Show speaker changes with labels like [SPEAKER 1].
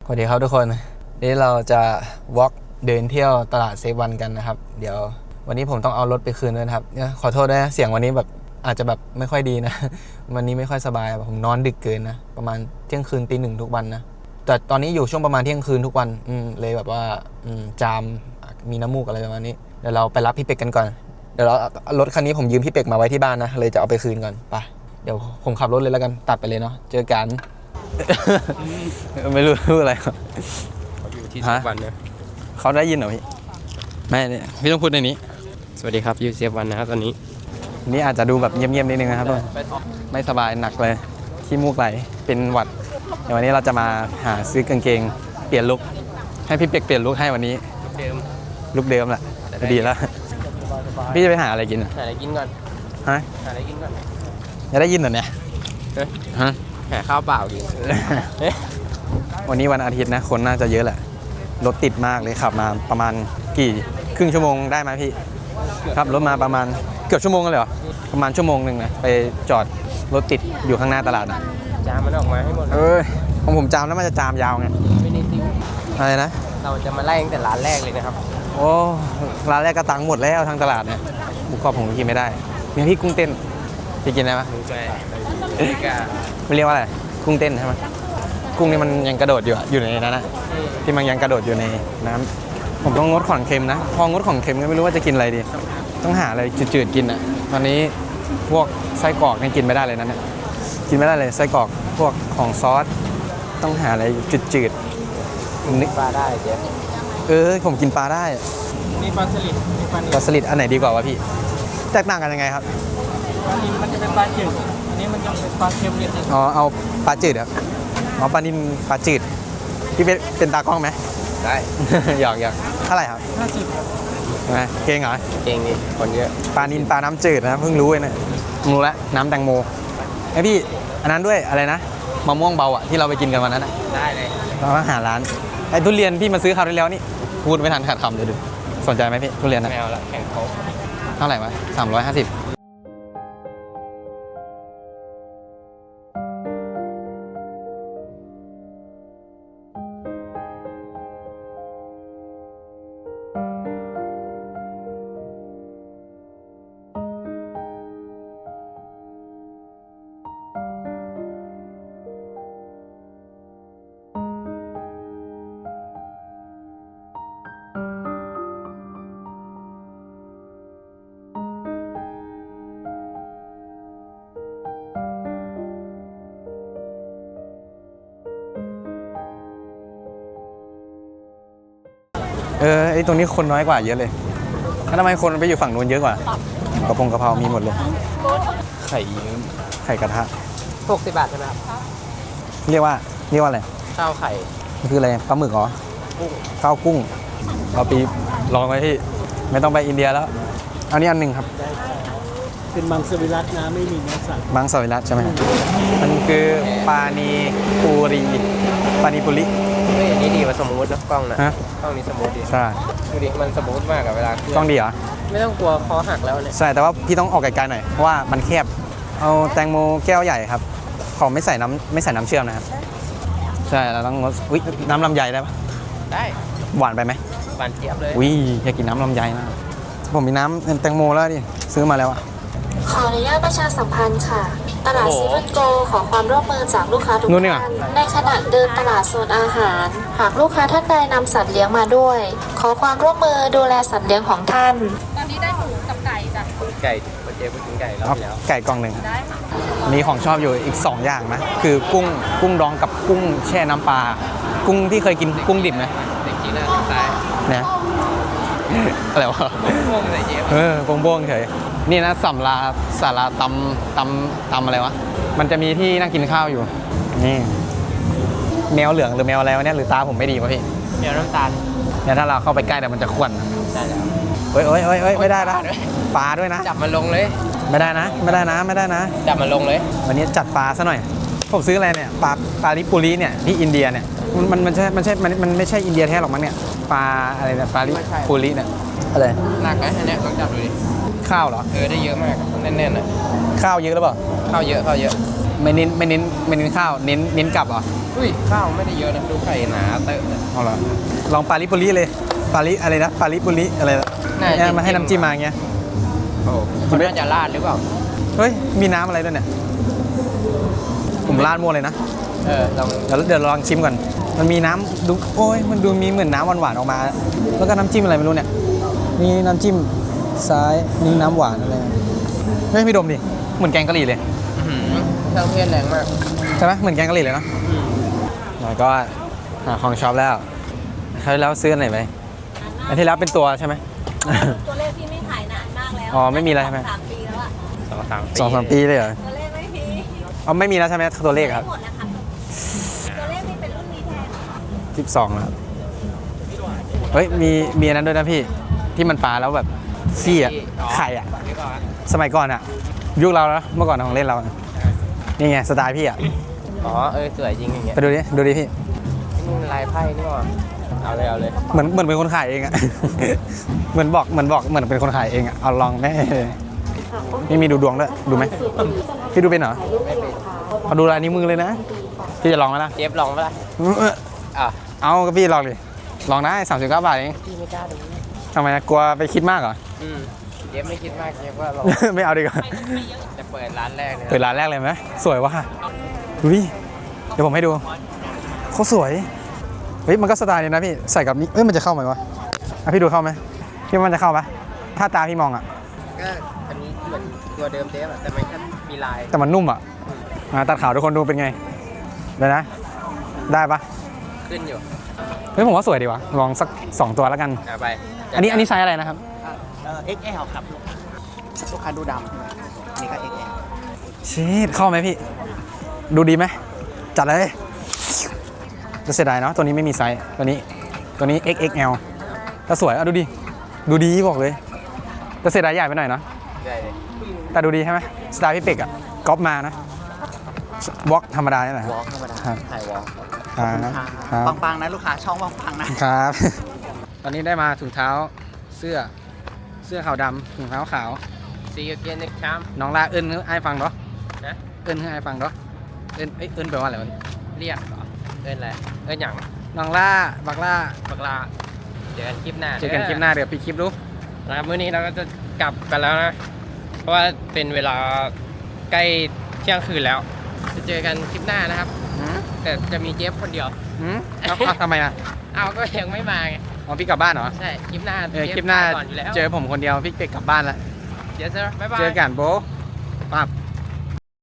[SPEAKER 1] วัสดีครับทุกคนนี่เราจะวอล์กเดินเที่ยวตลาดเซฟวันกันนะครับเดี๋ยววันนี้ผมต้องเอารถไปคืนด้วยนะครับขอโทษด้วยนะเสียงวันนี้แบบอาจจะแบบไม่ค่อยดีนะวันนี้ไม่ค่อยสบายผมนอนดึกเกินนะประมาณเที่ยงคืนตี 1ทุกวันนะแต่ตอนนี้อยู่ช่วงประมาณเที่ยงคืนทุกวันเลยแบบว่าจามมีน้ำมูกอะไรประมาณนี้เดี๋ยวเราไปรับพี่เป็กกันก่อนเดี๋ยวเรารถคันนี้ผมยืมพี่เป็กมาไว้ที่บ้านนะเลยจะเอาไปคืนก่อนไปเดี๋ยวผมขับรถเลยแล้วกันตัดไปเลยเนาะเจอกัน ไม่รู้อะไรเขา
[SPEAKER 2] อยู่ที่เซฟวันนะ
[SPEAKER 1] เขาได้ยินเหรอพี่ไม่พี่ต้องพูดในนี้
[SPEAKER 2] สวัสดีครับยูเซฟวันนะครับตอนนี้
[SPEAKER 1] นี่อาจจะดูแบบเงียบๆนิดนึงนะครับไม่สบายหนักเลยขี้มูกไหลเป็นหวัดเดี๋ยววันนี้เราจะมาหาซื้อกางเกงเปลี่ยนลุคให้พี่เป็กเปลี่ยนลุคให้วันนี้ลุคเดิมแหละดีแล้วพี่จะไปหาอะไรกิน
[SPEAKER 2] หาอะไรกินก่อน
[SPEAKER 1] ฮะ
[SPEAKER 2] หาอะไรกินก่อน
[SPEAKER 1] จะได้ยินเหรอเนี่ยฮะ
[SPEAKER 2] หาข้าวเปล่ากิน
[SPEAKER 1] วันนี้วันอาทิตย์นะคนน่าจะเยอะแหละรถติดมากเลยขับมาประมาณครึ่งชั่วโมงได้ไหมพี่ครับรถมาประมาณเกือบชั่วโมงเลยเหรอประมาณชั่วโมงนึงนะไปจอดรถติดอยู่ข้างหน้าตลาดนะ
[SPEAKER 2] จามมันออกมาให้หมด
[SPEAKER 1] ของผมจามแล้วมันจะจามยาวไง
[SPEAKER 2] ไม่ได้ซิว
[SPEAKER 1] อะไรนะ
[SPEAKER 2] เราจะมาไล่ตั้งแต่ร้านแรกเลยนะครับ
[SPEAKER 1] โอ้ร้านแรกก็ตังค์หมดแล้วทางตลาดเนี่ยบุกกรอบผมกินไม่ได้มีพี่กุ้งเต้นพี่กินได้ปะไม่เรียกว่าอะไรกุ้งเต้นใช่ไหมกุ้งนี่มันยังกระโดดอยู่ในนั้นนะที่มันยังกระโดดอยู่ในน้ำผมต้องงดของเค็มนะพองดของเค็มก็ไม่รู้ว่าจะกินอะไรดีต้องหาอะไรจืดๆกินอ่ะตอนนี้พวกไส้กรอกนี่กินไม่ได้เลยนะเนี่ยกินไม่ได้เลยไส้กรอกพวกของซอสต้องหาอะไรจืด
[SPEAKER 2] ๆนึกปลาได้เจ๊
[SPEAKER 1] ผมกินปลาได้
[SPEAKER 2] นี่ปลาสลิด
[SPEAKER 1] ปลาสลิดอันไหนดีกว่าวะพี่แตกต่างกันยังไงครับ
[SPEAKER 2] ปลานิลมันจะเป็นปลาจืดอันนี้มันจะเป็นปลาเค็มนิดนึง
[SPEAKER 1] เอาปลาจืดครับปลานิลปลาจืดพี่เป็นตากล้องไหม
[SPEAKER 2] ได้
[SPEAKER 1] อยากเท่าไหร่ครับ
[SPEAKER 2] 50ครับ
[SPEAKER 1] เก่งเหรอ
[SPEAKER 2] เก่งดิคนเยอะ
[SPEAKER 1] ปลานิลปลาน้ำจืดนะเพิ่งรู้เลยนะรู้แล้วน้ำแตงโมไอพี่อันนั้นด้วยอะไรนะมะม่วงเบาอ่ะที่เราไปกินกันวันนั้น
[SPEAKER 2] ได้เลย
[SPEAKER 1] เราต้องหาร้านไอทุเรียนพี่มาซื้อคราวที่แล้วนี่พูดไม่ทันขาดคำเลยดูสนใจไหมพี่ทุเรียนนะ
[SPEAKER 2] ไม่เอาละแข่งเขา
[SPEAKER 1] เท่าไหร่วะ350ไอตรงนี้คนน้อยกว่าเยอะเลยแล้วทำไมคนไปอยู่ฝั่งนู้นเยอะกว่ากระเพรามีหมดเลยไข่ยืมไข่กระทะ
[SPEAKER 2] 60 บาทใช่ไหมครับ
[SPEAKER 1] เรียกว่าอะไร
[SPEAKER 2] ข้าวไข่
[SPEAKER 1] คืออะไรปลาหมึกเหรอข้าวกุ้งเอาปีลองไว้ที่ไม่ต้องไปอินเดียแล้วเอานี้อันหนึ่งครับ
[SPEAKER 3] เป็นมังสวิรัตินะไม่มีเนื้อสัตว์
[SPEAKER 1] มังสวิรัติใช่ไหมมันคือปานีปุรี
[SPEAKER 2] อันนี้ดีกว่าสมูทนะกล้องนะกล้องนี้สมูทดี
[SPEAKER 1] ใช่
[SPEAKER 2] ดูดิมันสมูทมากกับเวลาก
[SPEAKER 1] ล้องดีเหรอ
[SPEAKER 2] ไม่ต้องกลัวคอหักแล้วเนี่ย
[SPEAKER 1] ใช่แต่ว่าพี่ต้องออกไกลๆหน่อยเพราะว่ามันแคบเอาแตงโมแก้วใหญ่ครับขอไม่ใส่น้ำเชื่อมนะครับใช่เราต้องอุ๊ยน้ำลำไยได้ปะ
[SPEAKER 2] ได้
[SPEAKER 1] หวานไปไหม
[SPEAKER 2] หวานเจี๊ยบเลย
[SPEAKER 1] อุ๊ยอยากกินน้ำลำไยมากผมมีน้ำแตงโมแล้วดิซื้อมาแล้วอะ
[SPEAKER 4] ขออนุญาตประชาสัมพันธ์ค่ะตลาดเซเว่นโกขอความร่วมมือจากลูกค้าทุกท่านในขณะเดินตลาดโซนอาหารหากลูกค้าท่านใดนำสัตว์เลี้ยงมาด้วยขอความร่วมมือดูแลสัตว์เลี้ยงของท่าน
[SPEAKER 5] ตอนนี้ได้หมูกับไก่จ้ะ
[SPEAKER 2] ไก่เจ๊ไปกินไก่แล้ว
[SPEAKER 1] ไก่กล่องหนึ่งมีของชอบอยู่อีก2อย่างนะคือกุ้งดองกับกุ้งแช่น้ำปลากุ้งที่เคยกินกุ้งดิบไหม
[SPEAKER 2] เด็กกินแล้วตาย
[SPEAKER 1] เนี่ยอะไรวะ
[SPEAKER 2] โป่งอะไรเจ๊
[SPEAKER 1] โป่งเฉยนี่นะสาราตำอะไรวะมันจะมีที่นั่งกินข้าวอยู่นี่แมวเหลืองหรือแมวอะไรวะเนี่ยหรือตาผมไม่ดีวะพี่
[SPEAKER 2] แมวน้ำตาล
[SPEAKER 1] เนี่ยถ้าเราเข้าไปใกล้เดี๋ยวมันจะข่วน
[SPEAKER 2] ได้แล้ว
[SPEAKER 1] เฮ้ยไม่ได้นะปลาด้วยนะ
[SPEAKER 2] จับมันลงเลย
[SPEAKER 1] ไม่ได้นะ
[SPEAKER 2] จับมันลงเลย
[SPEAKER 1] วันนี้จัดปลาซะหน่อยผมซื้ออะไรเนี่ยปลาลิปุรีเนี่ยที่อินเดียเนี่ยมันไม่ใช่อินเดียแท้หรอกมั้งเนี่ยปลาอะไรเนี่ยปลาลิปุรีเนี่ยอะไร
[SPEAKER 2] หนักนะอันนี้ต้องจับดูดิ
[SPEAKER 1] ข้าวเหรอ
[SPEAKER 2] ได้เยอะมากแน่นๆอ่ะ
[SPEAKER 1] ข้าวเยอะหรือเปล่า
[SPEAKER 2] ข้าวเยอะ
[SPEAKER 1] เไม่เน้นข้าวเน้นกลับเหรอ
[SPEAKER 2] อุ้ยข้าวไม่ได้เยอะนะดูไข่หนาเตอะ
[SPEAKER 1] เอาเหรอลองปาลิปุริเลยปาลิอะไรนะปาลิปุริอะไรนะเนี่ยมาให้น้ำจิ้มมาอย่างเงี้ย
[SPEAKER 2] โอ้เขาน่าจะราดหรือเปล่า
[SPEAKER 1] เฮ้ยมีน้ำอะไรด้วยเนี่ยผมราดมั่วเลยนะ
[SPEAKER 2] ลอง
[SPEAKER 1] เดี๋ยวลองชิมก่อนมันมีน้ำดูโอ้ยมันดูมีเหมือนน้ำหวานๆออกมา แล้วก็น้ำจิ้มอะไรไม่รู้เนี่ยนี่น้ำจิ้มซ้ายนี่น้ำหวานอะไรเฮ้ยพี่ดมดิเหมือนแกงกะหรี่เลย
[SPEAKER 2] เครื่องเทศแรงมาก
[SPEAKER 1] ใช่ไหมเหมือนแกงกะหรี่เลยเนาะแล้วก็หาของช็อปแล้วคราวที่แล้วซื้ออันไหนไปอันที่แล้วเป็นตัวใช่ไหม
[SPEAKER 5] ตัวเลขที่ไม่ขายนานมากแล้ว
[SPEAKER 1] อ๋อไม่มีแล้วใช่ไหม
[SPEAKER 5] 3 ปีแล้วอะ
[SPEAKER 1] 2-3 ปีเลยเหรอ
[SPEAKER 5] ตัวเลขไม่มี
[SPEAKER 1] อ๋อไม่มีแล้วใช่ไหมตัวเลขครับ
[SPEAKER 5] หมดแล้วค่ะตัวเลขไม่เป็นรุ่นนี้แทน
[SPEAKER 1] 12แล้วครับเฮ้ยมีอันนั้นด้วยนะพี่ที่มันปลาแล้วแบบซี่อะไข่อะ
[SPEAKER 2] นี่ก่อน
[SPEAKER 1] สมัยก่อนอะยุคเราแล้วเมื่อก่อนของเล่นเราอะนี่ไงสไตล์พี่อะ
[SPEAKER 2] อ๋อสวยจริงอย่างเงี้ย
[SPEAKER 1] ไปดูดิพี่
[SPEAKER 2] นี่ลายไพ่นี่หว่าเอาเลย
[SPEAKER 1] เหมือนเป็นคนขายเองอะ เหมือนเป็นคนขายเองอะเอาลองแม่นี่มีดูดวงด้วยดูไหมพี่ดูเป็นเหรอเอาดูลายนิ้วมือเลยนะพี่จะลองไหมล่ะ
[SPEAKER 2] เจฟลองปะล่ะอ่ะ
[SPEAKER 1] เอาก็พี่ลองดิลองได้39 บาทเอง
[SPEAKER 2] พี่ไม่กล้าดู
[SPEAKER 1] ทำไมนะกลัวไปคิดมากเหรอ
[SPEAKER 2] เจฟไม่คิดมากเจฟว่าเรา
[SPEAKER 1] ไม่เอาดีกว่า
[SPEAKER 2] จะเปิดร้านแรกเลย
[SPEAKER 1] เปิดร้านแรกเลยไหมสวยว่ะดูดิเดี๋ยวผมให้ดูเขาสวยเฮ้ยมันก็สไตล์นี้นะพี่ใส่กับนี้เอ้ยมันจะเข้าไหมวะอ่ะพี่ดูเข้าไหมพี่ว่ามันจะเข้าไหมถ้าตาพี่มองอ่ะ
[SPEAKER 2] ก็อันนี้เหมือนตัวเดิมเจฟอะแต่มันแค่มีลาย
[SPEAKER 1] แต่มันนุ่มอ่ะมาตัดขาวทุกคนดูเป็นไงเดี๋ยวนะได้ปะ
[SPEAKER 2] ขึ้นอยู่
[SPEAKER 1] เฮ้ยผมว่าสวยดีว่ะลองสัก2ตัวแล้วกัน
[SPEAKER 2] เอาไป
[SPEAKER 1] อันนี้ไซส์อะไรนะครับ
[SPEAKER 3] XL ครับลูกค้าดูดำนี่ก็ XL
[SPEAKER 1] ชีดเข้าไหมพี่ ดูดีไหมจัดเลยจะเสียดายเนาะตัวนี้ไม่มีไซส์ตัวนี้ XXL แต่สวยอ่ะดูดีบอกเลยจะเสียดายใหญ่ไปหน่อยเนาะ
[SPEAKER 2] ได้เลย
[SPEAKER 1] แต่ดูดีใช่ไหมสไตล์พี่เป็กอ่ะก๊อปมานะวอล์กธรรมดานี่แหละ
[SPEAKER 2] วอล์กธรรมดา
[SPEAKER 1] ครับ
[SPEAKER 2] ถ่ายวอล์ก
[SPEAKER 1] ครับ
[SPEAKER 3] ปังๆนะลูกค้าช่องปังๆนะ
[SPEAKER 1] ครับ ตอนนี้ได้มาถุงเท้าเสื้อขาวดำถุงเท้าขาว
[SPEAKER 2] ซีเกนเน็กชาม
[SPEAKER 1] น้องลาเอิญให้ไอ้ฟังเนาะ
[SPEAKER 2] นะ
[SPEAKER 1] เอิญให้ไอ้ฟังเนาะเอิญแปลว่าอะไรวะ
[SPEAKER 2] เรียกเหรออะไรหยัง
[SPEAKER 1] น้องล่าบักล่า
[SPEAKER 2] บักลาเจอกันคลิปหน้า
[SPEAKER 1] เจอกันคลิปหน้าเดี๋ยวปิดคลิปดู
[SPEAKER 2] นะครับมื้อนี้เราก็จะกลับกันแล้วนะ เพราะว่าเป็นเวลาใกล้เที่ยงคืนแล้ว จะเจอกันคลิปหน้านะครับ แต่จะมีเจฟคนเดียว
[SPEAKER 1] เอาทำไมอ่ะ
[SPEAKER 2] เอาก็ยังไม่มาไง
[SPEAKER 1] อ๋อพี่กลับบ้านเหรอ
[SPEAKER 2] ใช่ คลิปหน้า
[SPEAKER 1] คลิปหน้า
[SPEAKER 2] ก่อนอยู่แล้ว
[SPEAKER 1] เจอผมคนเดียวพี่เป็กกลับบ้านละ
[SPEAKER 2] เจอบ๊ายบาย
[SPEAKER 1] เจอกันโบ๊ะปั๊บ